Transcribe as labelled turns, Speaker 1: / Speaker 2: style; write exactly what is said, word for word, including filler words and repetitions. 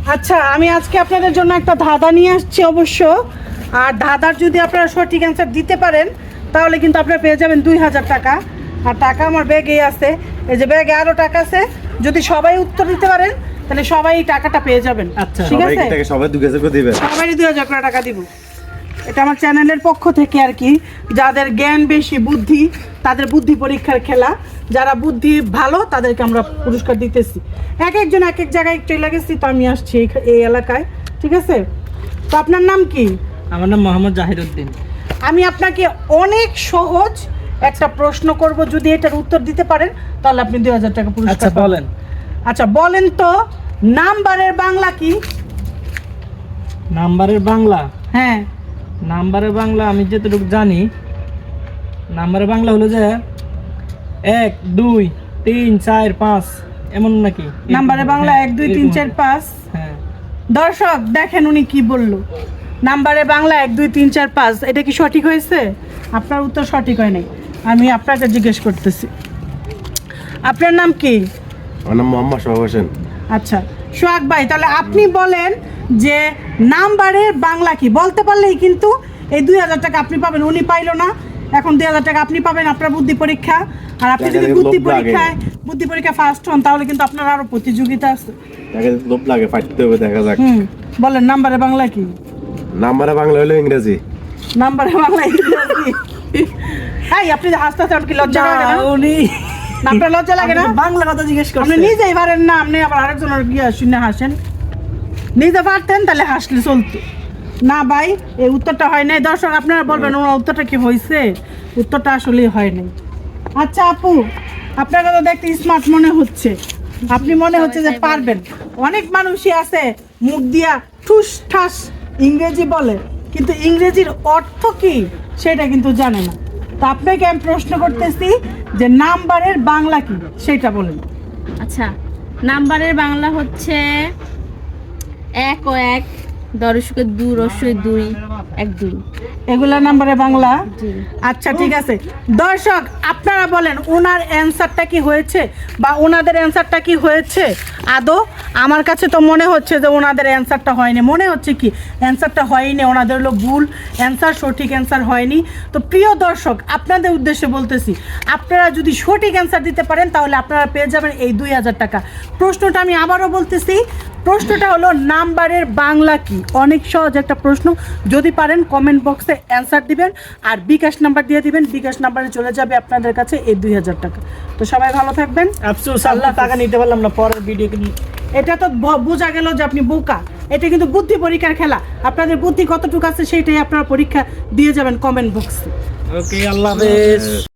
Speaker 1: আচ্ছা, আমি আজকে আপনাদের জন্য একটা ধাঁধা নিয়ে আসছি অবশ্য। আর ধাঁধার যদি আপনারা সঠিক অ্যান্সার দিতে পারেন তাহলে কিন্তু আপনারা পেয়ে যাবেন দুই হাজার টাকা। আর টাকা আমার ব্যাগেই আছে, এই যে ব্যাগে আরও টাকা আছে। যদি সবাই উত্তর দিতে পারেন তাহলে সবাই টাকাটা পেয়ে যাবেন।
Speaker 2: আচ্ছা,
Speaker 1: ঠিক আছে,
Speaker 3: সবাই দুই হাজার করে দিবেন।
Speaker 1: সবাই দুই হাজার করে টাকা দিব। এটা আমার চ্যানেলের পক্ষ থেকে আর কি, যাদের জ্ঞান বেশি, বুদ্ধি, তাদের বুদ্ধি পরীক্ষার খেলা। যারা বুদ্ধি ভালো তাদেরকে আমরা পুরস্কার দিতেছি। এক একজন এক এক জায়গায় চলে গেছি, তো আমি আসছি এই- এই এলাকায়। ঠিক আছে, তো আপনার নাম কি?
Speaker 2: আমার নাম মোহাম্মদ জাহিরউদ্দিন।
Speaker 1: আমি আপনাকে অনেক সহজ একটা প্রশ্ন করব, যদি এটার উত্তর দিতে পারেন তাহলে আপনি দুই হাজার টাকা পুরস্কার
Speaker 2: আচ্ছা
Speaker 1: পাবেন।
Speaker 2: বলেন।
Speaker 1: আচ্ছা বলেন তো, নাম্বারের বাংলা কি?
Speaker 2: নাম্বারের বাংলা?
Speaker 1: হ্যাঁ,
Speaker 2: নাম্বারের বাংলা আমি যতটুকু জানি, নাম্বারের বাংলা হলো যে এক দুই তিন চার পাঁচ, এমন নাকি?
Speaker 1: নাম্বারের বাংলা এক দুই তিন চার পাঁচ।
Speaker 2: হ্যাঁ,
Speaker 1: দর্শক দেখেন উনি কি বললো, নাম্বারে বাংলা এক দুই তিন চার পাঁচ। এটা কি সঠিক হয়েছে? আপনার উত্তর সঠিক হয় নাই। আমি আপনাকে জিজ্ঞেস করতেছি, আপনার নাম কি?
Speaker 3: আমার নাম মোহাম্মদ সোহাগ হোসেন।
Speaker 1: আচ্ছা সোহাগ ভাই, তাহলে আপনি বলেন যে নাম্বারের বাংলা কি? বলতে পারলেই কিন্তু এই দুই হাজার টাকা আপনি পাবেন। উনি পাইলো না, এখন দুই হাজার টাকা আপনি পাবেন, আপনার বুদ্ধি পরীক্ষা। আর আপনি যদি বুদ্ধি পরীক্ষায় বুদ্ধি পরীক্ষা ফার্স্ট হন তাহলে কিন্তু আপনার আরো প্রতিযোগিতা আছে।
Speaker 3: তাকে লোভ লাগে, ফাটতে হবে, দেখা যাক।
Speaker 1: হুম, বলেন নাম্বারে বাংলা কি?
Speaker 3: নাম্বারে বাংলা হলো ইংরেজি।
Speaker 1: নাম্বারে বাংলা ইংরেজি। এই আপনি যে হাসতে হাসতে কি লজ্জা লাগে না?
Speaker 2: উনি
Speaker 1: না, আপনার লজ্জা লাগে না?
Speaker 2: বাংলা কথা জিজ্ঞেস
Speaker 1: আপনি
Speaker 2: করছেন।
Speaker 1: নিজেই পারেন না, আপনি আবার আরেকজনের গিয়ে শুনে হাসেন। নিজে পারতেন তাহলে হাসলে চলতো না ভাই। এই উত্তরটা হয় নাই। দর্শক আপনারা বলবেন ওনার উত্তরটা কি হয়েছে? উত্তরটা আসলে হয় নাই। আচ্ছা আপু, আপনাকে তো দেখতে স্মার্ট মনে হচ্ছে, আপনি মনে হচ্ছে যে পারবেন। অনেক মানুষই আছে মুখ দিয়া ঠুস ঠাস ইংরেজি বলে, কিন্তু ইংরেজির অর্থ কি সেটা কিন্তু জানে না। তো আপনাকে আমি প্রশ্ন করতেছি যে নাম্বারের বাংলা কি সেটা বলেন।
Speaker 4: আচ্ছা, নাম্বারের বাংলা হচ্ছে এক ও এক, দশকে দুই, রস্যই দুই, এক দুই।
Speaker 1: এগুলা নাম্বারের বাংলা?
Speaker 4: জি।
Speaker 1: আচ্ছা ঠিক আছে। দর্শক আপনারা বলেন ওনার অ্যান্সারটা কি হয়েছে বা ওনাদের অ্যান্সারটা কি হয়েছে আদৌ? আমার কাছে তো মনে হচ্ছে যে ওনাদের অ্যান্সারটা হয়নি। মনে হচ্ছে কি অ্যান্সারটা হয়নি, ওনাদের হলো ভুল অ্যান্সার, সঠিক অ্যান্সার হয়নি। তো প্রিয় দর্শক আপনাদের উদ্দেশ্যে বলতেছি, আপনারা যদি সঠিক অ্যান্সার দিতে পারেন তাহলে আপনারা পেয়ে যাবেন এই দুই হাজার টাকা। প্রশ্নটা আমি আবারও বলতেছি, প্রশ্নটা হলো নাম্বারের বাংলা কি? অনেক সহজ একটা প্রশ্ন। যদি পারেন কমেন্ট বক্সে অ্যান্সার দিবেন আর বিকাশ নাম্বার দিয়ে দিবেন। বিকাশ নাম্বারে চলে যাবে আপনাদের কাছে এই দুই হাজার টাকা। তো সবাই ভালো থাকবেন।
Speaker 2: আফসোস আল্লাহ টাকা নিতে পারলাম না পরের ভিডিও।
Speaker 1: এটা তো ব- বোঝা গেল যে আপনি বোকা। এটা কিন্তু বুদ্ধি পরীক্ষার খেলা। আপনাদের বুদ্ধি কতটুকু আছে সেইটাই আপনারা পরীক্ষা দিয়ে যাবেন কমেন্ট বক্সে।
Speaker 2: ওকে, আল্লাহ হাফেজ।